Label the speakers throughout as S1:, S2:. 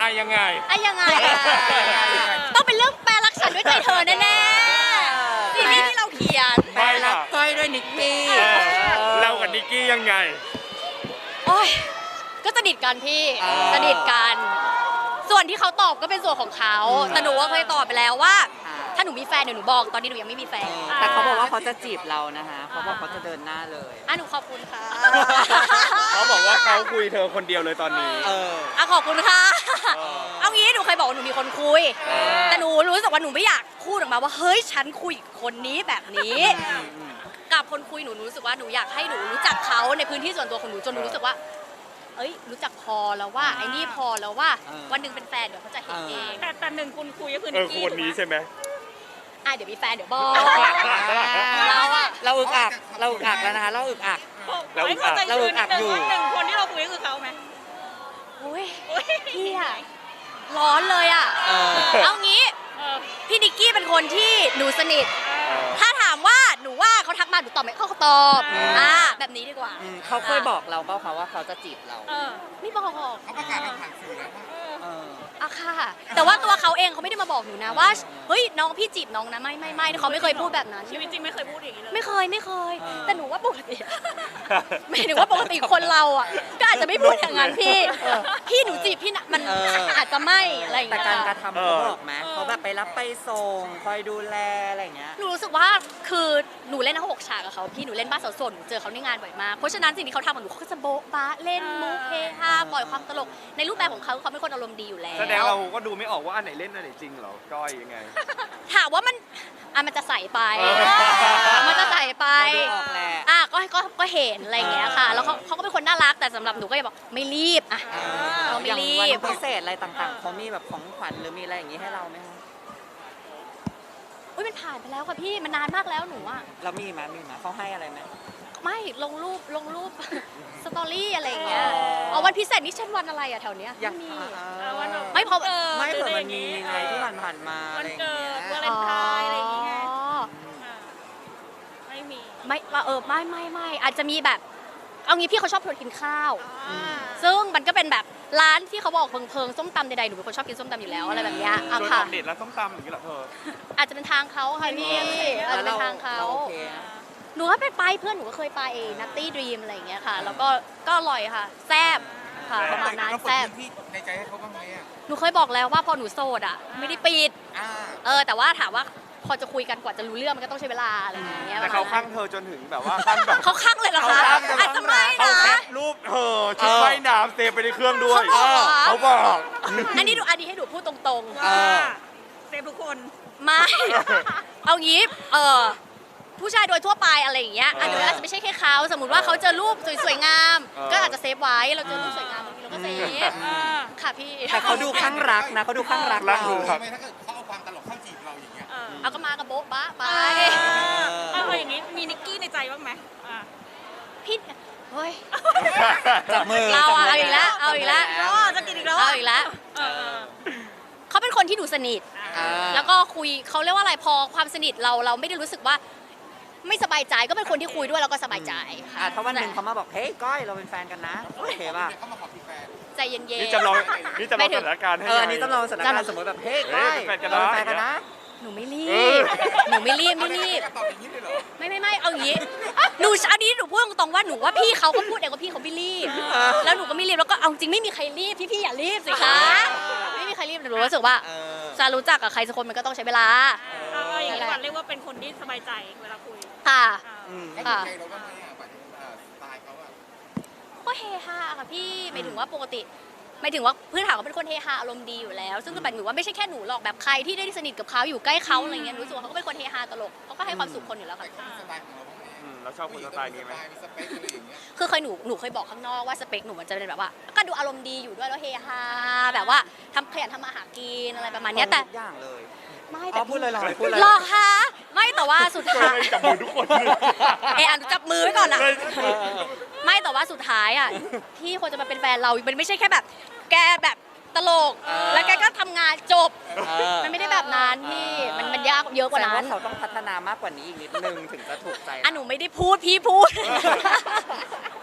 S1: ยังไง
S2: ต้องเป็นเรื่องแปลรักฉันด้วยใจเธอแน่ๆซีรีส์ที่เราเขียน
S1: ไม่ล่ะ
S3: ก้อยด้วยนิกกี้
S1: เรากับนิกกี้ยังไง
S2: โอ้ยก็สนิทกันพี่สนิทกัน ส่วนที่เขาตอบก็เป็นส่วนของเขาแต่หนูว่าเคยตอบไปแล้วว่า ถ้าหนูมีแฟนเดี๋ยวหนูบอกตอนนี้หนูยังไม่มีแฟน
S3: แต่เขาบอกว่าเขาจะจีบเรานะคะเขาบอกเขาจะเดินหน้าเลย
S2: หนูขอบคุณค่ะ
S1: เขาบอกว่าเขาคุยเธอคนเดียวเลยตอนนี้
S2: ขอบคุณค่ะเอางี้หนูเคยบอกว่าหนูมีคนคุยแต่หนูรู้สึกว่าหนูไม่อยากพูดออกมาว่าเฮ้ยฉันคุยกับคนนี้แบบนี้กับคนคุยหนูรู้สึกว่าหนูอยากให้หนูรู้จักเขาในพื้นที่ส่วนตัวของหนูจนหนูรู้สึกว่าเอ้ยรู้จักพอแล้วว่าไอ้นี่พอแล้วว่าวันหนึ่งเป็นแฟนเดี๋ยวเขาจะเห็นเอง
S4: แต่หนึ่งคุณคุยก็คือนิกกี้
S1: คนนี้ใช่ไหม
S2: เดี๋ยวมีแฟนเดี๋ยวบอกเรา
S3: อึกอักแล้วนะคะเราอึกอัก
S4: ไม่เข้าใจชื่อนิดนึงว่าหนึ่งคนที่เราคุยก็คือเขาไหม
S2: อุ้ยพี่อะร้อนเลยอะเอางี้พี่นิกกี้เป็นคนที่หนูสนิทถ้าถามว่าหนูว่าเขาทักมาหนูตอบไหมเขาตอบแบบนี้ดีกว่า
S3: เขาเคยบอกเราเปล่าคะว่าเขาจะจีบเรา
S2: ไม่บอก
S5: เขาประกาศผ่านสื่อแล้วว่า
S2: ค่ะ แต่ว่าตัวเขาเองเขาไม่ได้มาบอกหนูนะว่าเฮ้ยน้องพี่จีบน้องนะไม่เขาไม่เคยพูดแบบนั้น
S4: ชีวิตจริงไม่เคยพูดอย่างนี้เลย
S2: ไม่เคยแต่หนูว่าปกติไม่ถึงว่าปกติคนเราอ่ะก็อาจจะไม่พูดอย่างนั้นพี่หนูจีบพี่นะมันอาจจะไม่อะไรอย่าง
S3: แต่
S2: เงี้ย
S3: การกระทำเขาบอกไหมเขาแบบไปรับไปส่งคอยดูแลอะไรอย่างเงี้ย
S2: หนูรู้สึกว่าคือหนูเล่นทั้ง6 ฉากกับเขาพี่หนูเล่นบ้านสาวโสดหนูเจอเขาในงานบ่อยมากเพราะฉะนั้นสิ่งที่เขาทำกับหนูเขาก็จะโบ๊ะบ้าเล่นมุกเฮฮาปล่อยความตลกในรูปแบบของเขาเป็นคนอารมณ์ดีอยู่แล้ว
S1: แสดงเราก็ดูไม่ออกว่าอันไหนเล่นอันไหนจริงเหรอก้อยยังไง
S2: ถามว่ามันจะใส่ไปมันจะใส่ไป
S3: เราดูออกแหละ
S2: ก็เห็นอะไรอย่างเงี้ยค่ะแล้วเขาก็เป็นคนน่ารักแต่สำหรับหนูก็จะบอกไม่รีบเราไม่
S3: อย่าง
S2: รี
S3: วัน
S2: บ
S3: พิเศษอะไรต่างๆเขามีแบบของขวัญหรือมีอะไรอย่างงี้ให้เราไหมคะ
S2: อุ้ยมันผ่านไปแล้วค่ะพี่มันนานมากแล้วหนูอะ
S3: เรามีไหมเขาให้อะไรไหม
S2: ไม่ลงรูป สตอรี่อะไรอย่างเงี้ยเอาวันพิเศษนี่เช่นวันอะไรอะแถวเนี้ย
S3: อย่าง
S2: ไม่มี
S4: วันแบบ
S2: ไม่พอ
S3: ไม่เผื่อมันมีไงที่ผ่านๆมาอะ
S4: วัน
S3: ไรอย่าง
S4: เกิ
S3: เงี้ย
S4: ดวาเลนไทน์อะไรอย่างเงี้ยไม่มี
S2: ไม่อาจจะมีแบบเอางี้พี่เขาชอบชวนกินข้าว ซึ่งมันก็เป็นแบบร้านที่เขาบอกเพิงส้มตำใดๆหนูเป็นคนชอบกินส้มตำอยู่แล้วอะไรแบบเนี้ย
S1: โดน
S2: ค่ะ
S1: ออกเด็ดแล้วส้มตำอย่างนี้เหรอเธอ
S2: อาจจะเป็นทางเขาค่ะพี่อาจจะเป็นทางเขา
S3: โอเค
S2: หนูก็ไปเพื่อนหนูก็เคยไปนัตตี้ดรีมอะไรอย่างเงี้ยค่ะ แล้วก็อร่อยค่ะแซ่บค่ะประมาณนั้น
S5: แล้วเปิด
S2: แซ่บ
S5: พื้นที่ในใจให้เขาบ้างไหมอ่ะ
S2: หนูเคยบอกแล้วว่าพอหนูโสดอ่ะไม่ได้ปิด แต่ว่าถามว่าพอจะคุยกันกว่าจะรู้เรื่องมันก็ต้องใช้เวลาอะไรอย่างเงี้ย
S1: แต่เขาข้างเธอจนถึงแบบว่าขั้นแบบ
S2: เขาข้างเลยเหรอคะอาจจะไม่
S1: เขา
S2: นะ
S1: แคปรูปเธอชุดว่ายน้ำเซฟไปในเครื่องด้วย
S2: เขาบอก
S1: เขาบอก
S2: อันนี้ให้ดูพูดตรงๆ
S4: เซฟทุกคน
S2: ไม่ เอางี้ผู้ชายโดยทั่วไปอะไรอย่างเงี้ยอาจจะไม่ใช่แค่เขาสมมติว่าเขาเจอรูปสวยๆงาม ก็อาจจะเซฟไว้เราเจอรูปสวยงามบางทีเราก็เซฟค่ะพี่
S3: แต่เขาดูข้างรักนะเขาดูข้างรัก
S1: รัก
S3: เรา
S1: ดูครับ
S5: ทำไมถ้าเกิดเขาเอาความตลกเข้าจีบเราอย่างเงี้ย
S2: เอาก็มากับโบ๊ะบ้าไป
S4: เอาอย่างนี้มีนิกกี้ในใจบ้างไหม
S2: พี่เฮ้ย
S3: จับมือ
S2: เรา
S3: จับมื
S2: เอาอีกแล้วเอาอีกแล้ว
S4: จะกินอีกแล้ว
S2: เอาอีกแล้วเขาเป็นคนที่หนูสนิท แล้วก็คุยเขาเรียกว่าอะไรพอความสนิทเราไม่ได้รู้สึกว่าไม่สบายใจก็เป็นคนที่คุยด้วยแล้วก็สบายใจ
S3: ถ้าวันหนึ่งเขามาบอกเฮ้ยก้อยเราเป็นแฟนกันนะโอเคป่ะ
S5: เขามาขอเป็นแฟน
S2: ใจเย็นๆ
S1: นี่จำลองสถานการณ์ให้
S3: อันนี้ต้องลองสถานการณ์สมมติแบบเฮ้ยก้อย
S1: เป็นแฟนกัน
S3: เรา
S1: นะ
S3: เป็นแฟนกันนะ
S2: หนูไม่รีบหนูไม่รีบ
S5: ตอบอย่างนี้เลยเหรอ
S2: ไม่เอาอย่างนี้หนูอันนี้หนูพูดตรงๆว่าหนูว่าพี่เขาก็พูดเองว่าพี่เขาไม่รีบแล้วหนูก็ไม่รีบแล้วก็เอาจริงไม่มีใครรีบพี่อย่ารีบสิคะไม่มีใครรีบแต่หนูรู้สึกว่าจะรู้จักกับใครสักคนมันก็ต้องใช้เวลา
S4: เอาอย่างนี้ก่อนเรียกว่าเป็นคนที่สบายใจเวลาคุย
S2: ค่ะ
S5: เขาถูกใจเราบ้างไหมอ่ะหมายถึงสไตล์เขาอ่ะ
S2: ก็เฮฮาค่ะพี่หมายถึงว่าปกติหมายถึงว่าพื้นฐานเขาเป็นคนเฮฮาอารมณ์ดีอยู่แล้ว ซึ่งก็หมายถึงว่าไม่ใช่แค่หนูหรอกแบบใครที่ได้สนิทกับเขาอยู่ใกล้เขาอะไรเงี้ยรู้สึกว่าเขาก็เป็นคนเฮฮาตลกเขาก็ให้ความสุขคนอยู่แล้วค่ะ
S5: สไตล์ของเราบ้างไหม
S1: เราชอบคนสไตล์นี้ไหม
S5: มีสเปคอะไรอย่างเงี้ย
S2: คือเคยหนูเคยบอกข้างนอกว่าสเปคหนูมันจะเป็นแบบว่าก็ดูอารมณ์ดีอยู่ด้วยแล้วเฮฮาแบบว่าขยันทำมาหากินอะไรประมาณเนี้ยแต่
S3: ทุกอย่างเลย
S2: ไม่
S3: อ๋
S2: แต่
S3: อพูดเลยเหรอพูดเลย
S2: หรอกคะไม่แต่ว่าสุดท้าย
S1: จับมือทุกคนเลย
S2: อ่ะจับมือไว้ก่อนนะไม่แต่ว่าสุดท้ายอ่ะที่คนจะมาเป็นแฟนเรามันไม่ใช่แค่แบบ แกแบบตลกแล้วแกก็ทำงานจบมันไม่ได้แบบนั้นพี่มันยากเยอะกว่านั้น
S3: แสดงเขาต้องพัฒนามากกว่านี้อีกนิดนึงถึงจะถูกใจ
S2: หนูไม่ได้พูดพี่พูด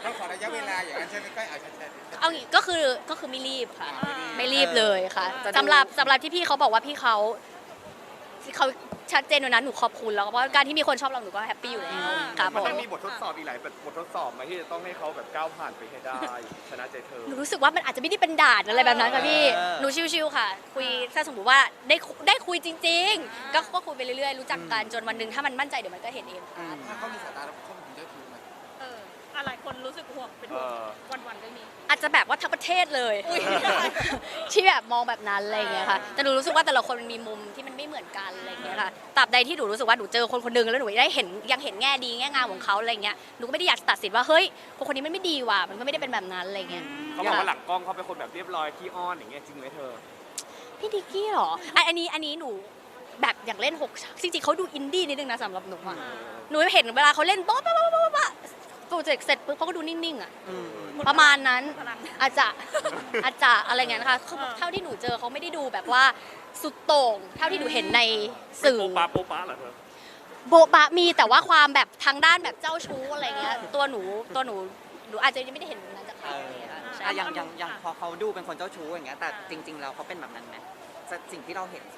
S5: เราขอระยะเวลาอย่างนั้นใช่ไหมก้อยเอาชัดๆ
S2: เอางี้ก็คือไม่รีบค่ะ
S5: ไม่รีบ
S2: ไม่รีบเลยค่ะสำหรับที่พี่เขาบอกว่าพี่เขาชัดเจนอยู่นะหนูขอบคุณแล้วเพราะการที่มีคนชอบเราหนูก็แฮปปี้อยู่แล้วครับผ
S1: มัน
S2: ม
S1: ต้องมีบททดสอบอีกหลายบททดสอบมาที่จะต้องให้เขาแบบก้าวผ่านไปให้ได้ ชนะใจเธอ
S2: หนูรู้สึกว่ามันอาจจะไม่ได้เป็นด่านอะไรแบบนั้นค่ะพี่หนูชิวๆค่ะ คุยถ้าสมมติว่าได้คุยจริง ๆ ก็คุยไปเรื่อยๆรู้จักกันจนวันหนึ่งถ้ามันมั่นใจเดี๋ยวมันก็เห็นเองค่ะ
S5: ถ้าเขามีสายตาแล้วเขาเป็นเจ้าชู้ไหม
S4: อะไรคนรู้สึกห่วงเป็นห่วงวันๆเรื่องนี้
S2: อาจจะแบบว่าทั้งประเทศเลย ที่แบบมองแบบนั้นอะไรอย่างเงี้ยค่ะแต่หนูรู้สึกว่าแต่ละคนมันมีมุมที่มันไม่เหมือนกันอะไรอย่างเงี้ยค่ะตราบใดที่หนูรู้สึกว่าหนูเจอคนคนหนึงแล้วหนูได้เห็นยังเห็นแง่ดีแง่งามของเขาอะไรเงี้ยหนูก็ไม่ได้อยากตัดสินว่าเฮ้ยคนนี้มันไม่ดีว่ะมันก็ไม่ได้เป็นแบบนั้นอะไรเงี้ย
S1: เขาบอกว่าหลังกล้องเขาเป็นคนแบบเรียบร้อยขี้อ้อนอย่างเงี้ยจริงไหมเธอ
S2: พี่ดิกกี้เหรออันนี้หนูแบบอย่างเล่น6จริงๆเขาดูอินดี้นิดนึงนะสำหรับหนูอะหนูเห็นเวลาเขาเล่นโป๊ะโปรเจกต์เสร็จปุ๊บเขาก็ดูนิ่งๆอะประมาณนั้นอาจจะอะไรเงี้ยนะคะเท่าที่หนูเจอเขาไม่ได้ดูแบบว่าสุดโต่งเท่าที่หนูเห็นในสื่อ
S1: โป๊ะปะเหรอเธอ
S2: โบะบะมีแต่ว่าความแบบทางด้านแบบเจ้าชู้อะไรเงี้ยตัวหนูอาจจะยังไม่ได้เห็นแบบนั้นจากเขาอะไรเงี้ยค่ะใช่
S3: อย่างพอเขาดูเป็นคนเจ้าชู้อย่างเงี้ยแต่จริงๆแล้วเขาเป็นแบบนั้นไหมสิ่งที่เราเห็นเขา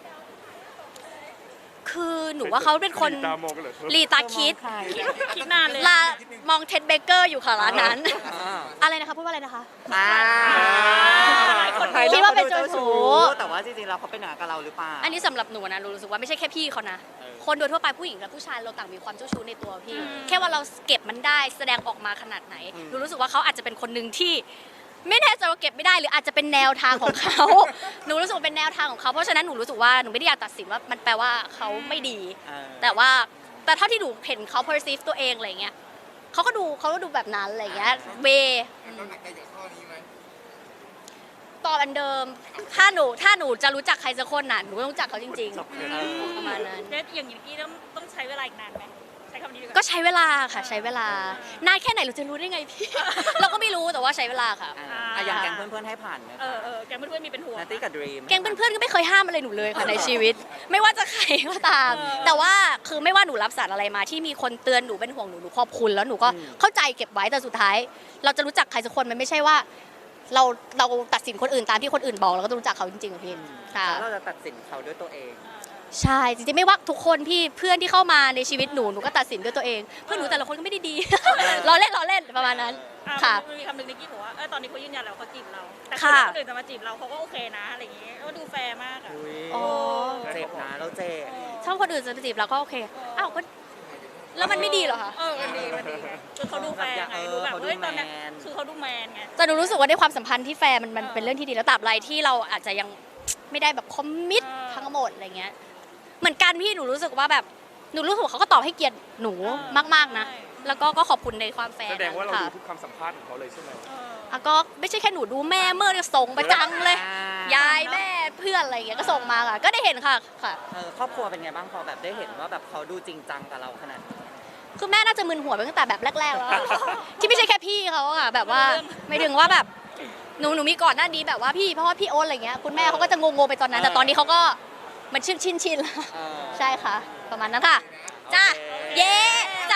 S2: คือหนูว่าเขาเป็นคน
S1: ตามองกันเหรอเธอ
S2: ลีตาคิด
S4: คิดนานเลย
S2: มองเท็ดเบเกอร์อยู่ค่ะร้านนั้น
S3: อ่า
S2: อะไรนะคะพูดว่าอะไรนะคะ
S3: คนไทย
S2: คิดว่าเป็นเจ้าชู้
S3: แต่ว่าจริงๆแล้วเขาเป็นหนากับเราหรือเปล่า
S2: อันนี้สำหรับหนูนะหนูรู้สึกว่าไม่ใช่แค่พี่เขานะ คนโดยทั่วไปผู้หญิงและผู้ชายเราต่างมีความเจ้าชู้ในตัวพี่ แค่ว่าเราเก็บมันได้แสดงออกมาขนาดไหนหนูรู้สึกว่าเขาอาจจะเป็นคนหนึ่งที่ไม่แน่ใจว่าเก็บไม่ได้หรืออาจจะเป็นแนวทางของเขา หนูรู้สึกว่าเป็นแนวทางของเขาเพราะฉะนั้นหนูรู้สึกว่าหนูไม่ได้อยากตัดสินว่ามันแปลว่าเขาไม่ดี แต่เท่าที่หนูเห็นเขา perceive ตัวเองอะไรเงี้ยเขาก็ดูแบบนั้นอะไรเงี้ยเว
S5: เราหนักใจกับข้อนี้ไหม
S2: ตอบอันเดิมถ้าหนูจะรู้จักใครสักคนน่ะหนูก็ต้องรู้จักเขาจริงๆประมาณนั้น
S4: เนสอย่างนี้ต้องใช้เวลาอีกนานไหมใช้คำนี้ดีกว่า
S2: ก็ใช้เวลาค่ะใช้เวลานานแค่ไหนเราจะรู้ได้ไงพี่ เราก็ไม่รู้แต่ว่าใช้เวลาค่ะ
S3: อย่างแก๊งเพื่อนๆให้ผ่านไหม
S4: แกเพื่อนๆมีเป็นห่วง
S3: นัตตี้กับดรีม
S2: แก๊งเพื่อนๆก็ไม่เคยห้ามอะไรหนูเลยค่ะในชีวิต ไม่ว่าจะใครก็ตาม แต่ว่าคือไม่ว่าหนูรับสารอะไรมาที่มีคนเตือนหนูเป็นห่วงหนูขอบคุณแล้วหนูก็เข้าใจเก็บไว้แต่สุดท้าย เราจะรู้จักใครสักคนมันไม่ใช่ว่า เราตัดสินคนอื่นตามที่คนอื่นบอกเราก็ต้องรู้จักเขาจริงๆค่ะพี่ค่ะ
S3: แล้วเราจะตัดสินเขาด้วยตัวเอง
S2: ใช่จริงๆไม่ว่าทุกคนพี่เพื่อนที่เข้ามาในชีวิตหนูก็ตัดสินด้วยตัวเองเพื่อนหนูแต่ละคนก็ไม่ได้ดี ล้อเล่นประมาณนั้นค่ะ
S4: มันมีคำหนึ่งนิกกี้บอกว่าตอนนี้เขายืนยันแล้วเขาจีบเรา แต่
S2: ค่ะ
S4: คนอื่นจะมาจีบเราเขาก็โอเคนะอะไรอย่างเงี้ยก็ดูแฟร์มากอ่ะ
S2: อ๋อ
S3: เจ็บนะเราเจ็บ
S2: ชอบคนอื่นจะจีบเราก็โอเคอ้าวก็แล้วมันไม่ดีเหรอคะ
S4: มันดีคือเขาดูแฟร์ไงดูแบบเฮ้ยตอนเนี้ยคือเขาดูแมนไง
S2: แต่หนูรู้สึกว่าในความสัมพันธ์ที่แฟร์มันเป็นเรื่องที่ดีแล้วตราบใดที่เราอาจจะยังไม่ได้แบบคอมมิตทั้งหมดอะไรเงี้ยเหมือนกันพี่หนูรู้สึกว่าแบบหนูรู้สึกว่าเขาก็ตอบให้เกียรติหนูมากๆนะแล้วก็ขอบคุณในความแฟร์
S1: แสดงว่าเรา
S2: ค่ะ
S1: ดูทุกคำสัมภาษณ์ของเขาเลยใช่ไหม
S2: ก็ไม่ใช่แค่หนูดูแม่เมื่อเนี่ยส่งประจังเลย ยายแม่เพื่อนอะไรอย่างเงี้ยก็ส่งมาค่ะ ก็ได้เห็นค่ะ
S3: ครอบครัวเป็นไงบ้างพอแบบได้เห็นว่าแบบเขาดูจริงจังกับเราขนาดนี้
S2: คือแม่น่าจะมึนหัวไปตั้งแต่แบบแรกๆแล้วอะ ที่ไม่ใช่แค่พี่เขาอะค่ะแบบว่าไม่ถึงว่าแบบหนูมีก่อนหน้านี้แบบว่าพี่เพราะว่าพี่โอ๊ตอะไรเงี้ยคุณแม่เขาก็จะงงๆไปตอนนั้นแต่ตอนนี้เขาก็มันชินแล้วใช่ค่ะ ประมาณนั้นค่ะจ้าเย้